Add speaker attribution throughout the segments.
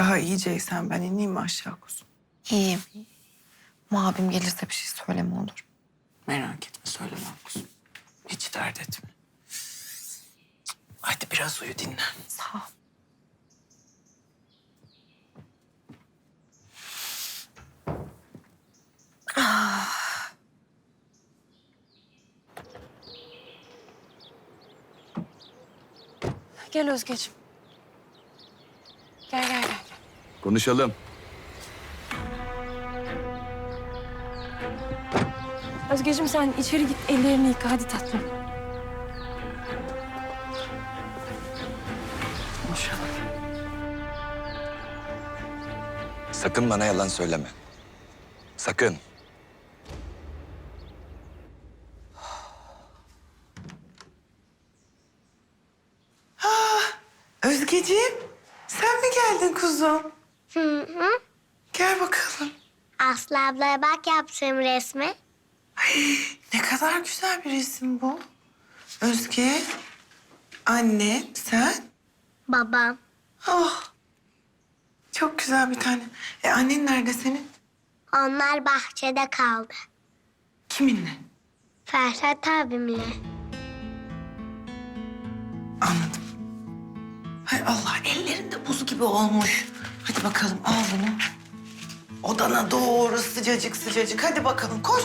Speaker 1: Daha iyiceysen ben ineyim mi aşağı kuzum?
Speaker 2: İyiyim. Ama abim gelirse bir şey söyleme olur.
Speaker 1: Merak etme söylemem kuzum. Hiç dert etme. Hadi biraz uyu dinlen.
Speaker 2: Sağ ol. Gel Özgeciğim. Gel.
Speaker 3: Konuşalım.
Speaker 4: Özgeciğim sen içeri git, ellerini yıka. Hadi tatlım.
Speaker 1: Konuşalım.
Speaker 3: Sakın bana yalan söyleme. Sakın.
Speaker 1: Özgeciğim sen mi geldin kuzum?
Speaker 5: Hı.
Speaker 1: Gel bakalım.
Speaker 5: Aslı ablaya bak yaptığım resmi.
Speaker 1: Ne kadar güzel bir resim bu. Özge, anne, sen.
Speaker 5: Babam.
Speaker 1: Oh, çok güzel bir tane. Annen nerede senin?
Speaker 5: Onlar bahçede kaldı.
Speaker 1: Kiminle?
Speaker 5: Ferhat abimle.
Speaker 1: Anladım. Hay Allah, ellerinde buz gibi olmuş. Hadi bakalım al bunu. Odana doğru sıcacık sıcacık. Hadi bakalım koş.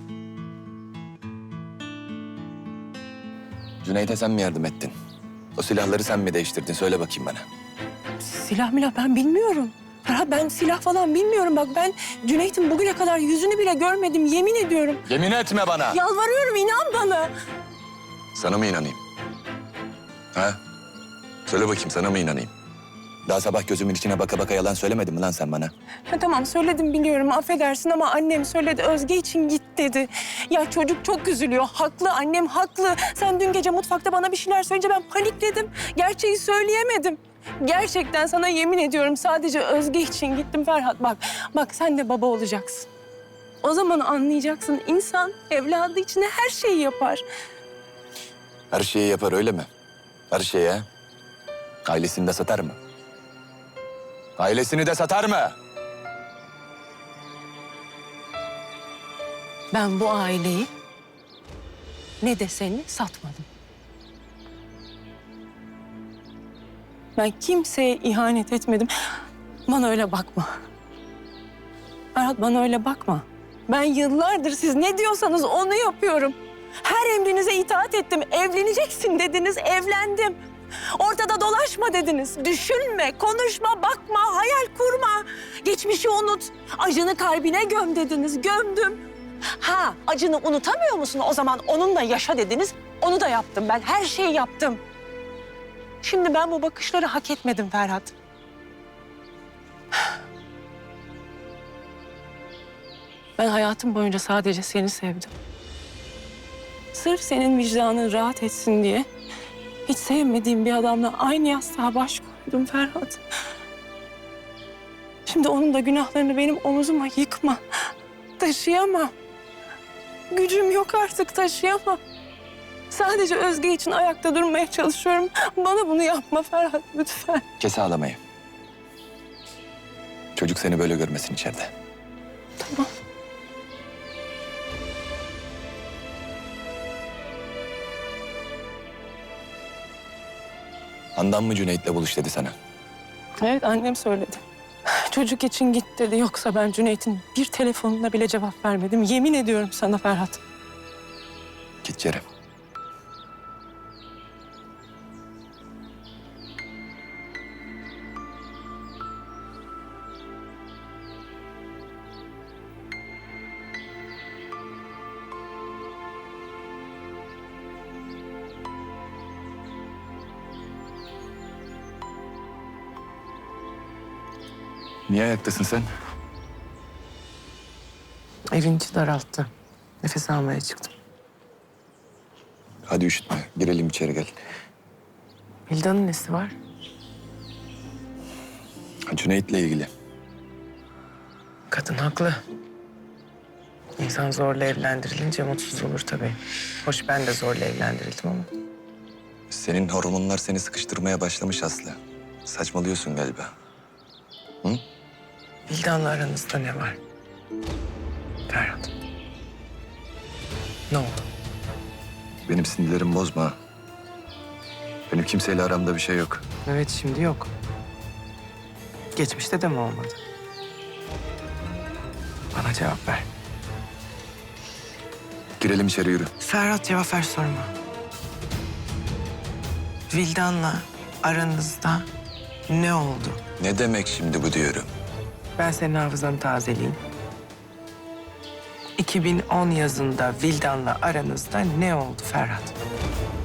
Speaker 3: Cüneyt'e sen mi yardım ettin? O silahları sen mi değiştirdin? Söyle bakayım bana.
Speaker 4: Silah milah ben bilmiyorum. Ferhat ben silah falan bilmiyorum. Bak ben Cüneyt'in bugüne kadar yüzünü bile görmedim. Yemin ediyorum.
Speaker 3: Yemin etme bana.
Speaker 4: Yalvarıyorum inan bana.
Speaker 3: Sana mı inanayım? Ha? Söyle bakayım sana mı inanayım? Daha sabah gözümün içine baka baka yalan söylemedin mi lan sen bana?
Speaker 4: Ha, tamam söyledim biliyorum affedersin ama annem söyledi Özge için git dedi. Ya çocuk çok üzülüyor. Haklı annem haklı. Sen dün gece mutfakta bana bir şeyler söyleyince ben panikledim. Gerçeği söyleyemedim. Gerçekten sana yemin ediyorum sadece Özge için gittim Ferhat. Bak sen de baba olacaksın. O zaman anlayacaksın insan evladı için her şeyi yapar.
Speaker 3: Her şeyi yapar öyle mi? Her şeyi ha? Ailesini de satar mı? Ailesini de satar mı?
Speaker 4: Ben bu aileyi ne de seni satmadım. Ben kimseye ihanet etmedim. Bana öyle bakma. Ferhat bana öyle bakma. Ben yıllardır siz ne diyorsanız onu yapıyorum. Her emrinize itaat ettim. Evleneceksin dediniz, evlendim. Ortada dolaşma dediniz. Düşünme, konuşma, bakma, hayal kurma. Geçmişi unut. Acını kalbine göm dediniz, gömdüm. Ha, acını unutamıyor musun? O zaman onunla yaşa dediniz. Onu da yaptım ben. Her şeyi yaptım. Şimdi ben bu bakışları hak etmedim Ferhat. Ben hayatım boyunca sadece seni sevdim. Sırf senin vicdanın rahat etsin diye hiç sevmediğim bir adamla aynı yastığa baş koydum Ferhat. Şimdi onun da günahlarını benim omuzuma yıkma. Taşıyamam. Gücüm yok artık taşıyamam. Sadece Özge için ayakta durmaya çalışıyorum. Bana bunu yapma Ferhat lütfen.
Speaker 3: Kes ağlamayı. Çocuk seni böyle görmesin içeride.
Speaker 4: Tamam.
Speaker 3: Handan mı Cüneyt'le buluş dedi sana?
Speaker 4: Evet annem söyledi. Çocuk için git dedi. Yoksa ben Cüneyt'in bir telefonuna bile cevap vermedim. Yemin ediyorum sana Ferhat.
Speaker 3: Git Kerem. Niye ayaktasın sen?
Speaker 1: Evin içi daralttı. Nefes almaya çıktım.
Speaker 3: Hadi üşütme. Girelim içeri gel.
Speaker 1: Hilda'nın nesi var?
Speaker 3: Cüneyt'le ilgili.
Speaker 1: Kadın haklı. İnsan zorla evlendirilince mutsuz olur tabii. Hoş ben de zorla evlendirildim ama.
Speaker 3: Senin hormonlar seni sıkıştırmaya başlamış Aslı. Saçmalıyorsun galiba. Hı?
Speaker 1: Vildan'la aranızda ne var? Ferhat. Ne oldu?
Speaker 3: Benim sinirlerimi bozma. Benim kimseyle aramda bir şey yok.
Speaker 1: Evet, şimdi yok. Geçmişte de mi olmadı? Bana cevap ver.
Speaker 3: Girelim içeri, yürü.
Speaker 1: Ferhat, cevap ver sorma. Vildan'la aranızda ne oldu?
Speaker 3: Ne demek şimdi bu diyorum?
Speaker 1: Ben senin hafızanı tazeleyeyim. 2010 yazında Vildan'la aranızda ne oldu Ferhat?